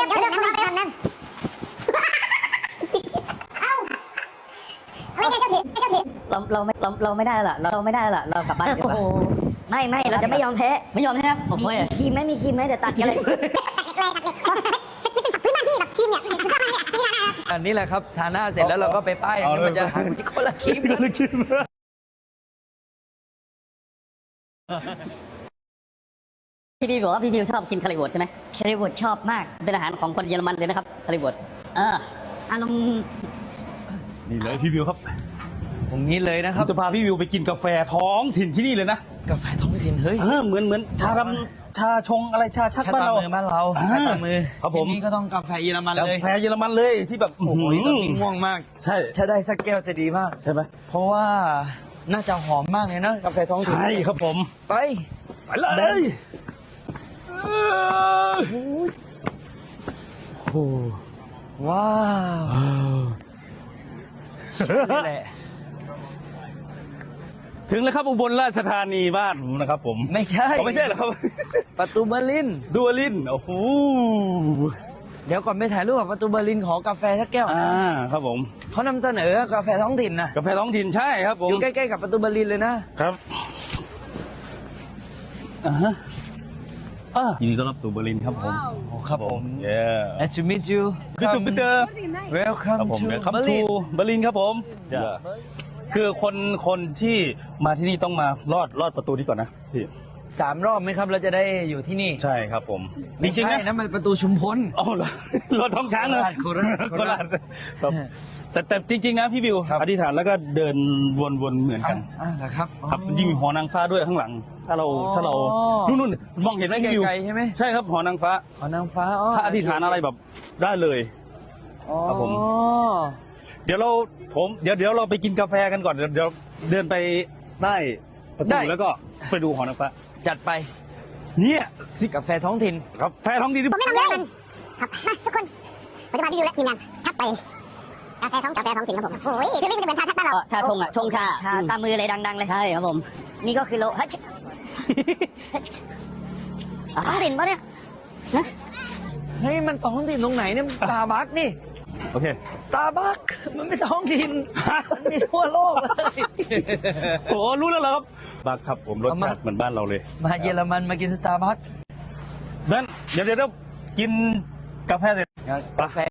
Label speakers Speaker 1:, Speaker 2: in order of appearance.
Speaker 1: เราไม่ได้ละเราไม่ได้ละเรากลับบ้านดีกว่า
Speaker 2: ไม่เราจะไม่ยอมแพ้
Speaker 1: ไม่ยอมแพ้ผมไม่
Speaker 2: มีครีมไหมเดี๋ยวตัดกันเลย
Speaker 3: อันนี้แหละครับทาหน้าเสร็จแล้วเราก็ไปป้ายอย่างนี้มันจะคนละครีม
Speaker 1: พี่บิวบอกว่าพี่บิวชอบกินคาริบดใช่ไหม
Speaker 2: คาริบดชอบมาก
Speaker 1: เป็นอาหารของคนเยอรมันเลยนะครับคาริบด
Speaker 2: อารมณ์
Speaker 4: นี่เลยพี่วิวครับ
Speaker 3: ตรงนี้เลยนะครับ
Speaker 4: จะพาพี่วิวไปกินกาแฟท้องถิ่นที่นี่เลยนะ
Speaker 3: กาแฟท้องถิ่นเฮ้ย
Speaker 4: เหมือนชาชงอะไรชาชักบ้านเรา
Speaker 3: ชาตามือ
Speaker 4: ครับผม
Speaker 3: นี่ก็ต้องกาแฟเยอรมันเลย
Speaker 4: กาแฟเยอรมันเลยที่แบบ
Speaker 3: โอ้โหตอนนี้ง่วงมาก
Speaker 4: ใช่
Speaker 3: ถ้าได้สักแก้วจะดีมาก
Speaker 4: ใช่ไหม
Speaker 3: เพราะว่าน่าจะหอมมากเลยนะกาแฟท้องถิ่น
Speaker 4: ใช่ครับผม
Speaker 3: ไป
Speaker 4: เลยโอ้
Speaker 3: ว้าวนี่แหละ
Speaker 4: ถึงแล้วครับอุบลราชธานีบ้านผมนะครับผม
Speaker 3: ไม่ใช่
Speaker 4: เหรอครับ
Speaker 3: ประตูเบอร์ลิน
Speaker 4: ดูลินโอ้โห
Speaker 3: เดี๋ยวก่อนไปถ่ายรูปกับประตูเบอร์ลินขอกาแฟสักแก้ว
Speaker 4: ครับผม
Speaker 3: เขานำเสนอกาแฟท้องถิ่นนะ
Speaker 4: กาแฟท้องถิ่นใช่ครับผม
Speaker 3: อยู่ใกล้ๆกับประตูเบอร์ลินเลยนะครับ
Speaker 4: ยินดีต้อนรับสู่เบอร์ลินครับผม
Speaker 3: ครับผม Nice to meet you
Speaker 4: คือตุ่มเตอร์
Speaker 3: Welcome to
Speaker 4: เบอร์ลินครับผมคือคนที่มาที่นี่ต้องมารอดประตูนี้ก่อนนะพี่
Speaker 3: 3 รอบไหมครับเราจะได้อยู่ที่นี่
Speaker 4: ใช่ครับผม
Speaker 3: จริงๆนะมันประตูชุมพล
Speaker 4: รถท้องช้างเลย
Speaker 3: โคราช
Speaker 4: ครับแต่จริงๆนะพี่บิวอธิษฐานแล้วก็เดินวนๆเหมือนกัน
Speaker 3: ครับ
Speaker 4: ครับยิ่งมีหอนางฟ้าด้วยข้างหลังถ้าเรานู่นมองเห็นไหมพี่บิว
Speaker 3: ใช่ไหม
Speaker 4: ใช่ครับหอนางฟ้าถ้าอธิษฐานอะไรแบบได้เลยครับผมเดี๋ยวเราไปกินกาแฟกันก่อนเดี๋ยวเดินไปได้ประตูแล้วก็ไปดูหอนางฟ้า
Speaker 3: จัดไป
Speaker 4: เนี่ย
Speaker 3: สิกาแฟท้องถิ่น
Speaker 4: กาแฟท้องถิ่น
Speaker 2: ผมไม่ทำเลยครับมาทุกคนผมจะพาพี่ดิวและทีมงานทักไปกาแฟท้องถิ่นครับผมโอ้ยคือเรื่องจะเป็นชาชักบ้านเรา
Speaker 1: ชาชงชาตามมือเลยดังๆเลยใช่ครับผม
Speaker 2: นี่ก็คือโลฮัชท้องถิ่นปะเนี่ย
Speaker 3: เฮ้ยมันท้องถิ่นตรงไหนเนี่ยตาบักนี่
Speaker 4: โอเค
Speaker 3: ตาบักมันไม่ท้องถิ่นมันมีทั่วโลกเลย
Speaker 4: โอ้รู้แล้วเหรอครับบักครับผมรสชาติเหมือนบ้านเราเลย
Speaker 3: มาเยอรมันมากินสตาร์บัค
Speaker 4: นั่นเดี๋ยวกินกาแฟเสร็จ
Speaker 3: กาแฟ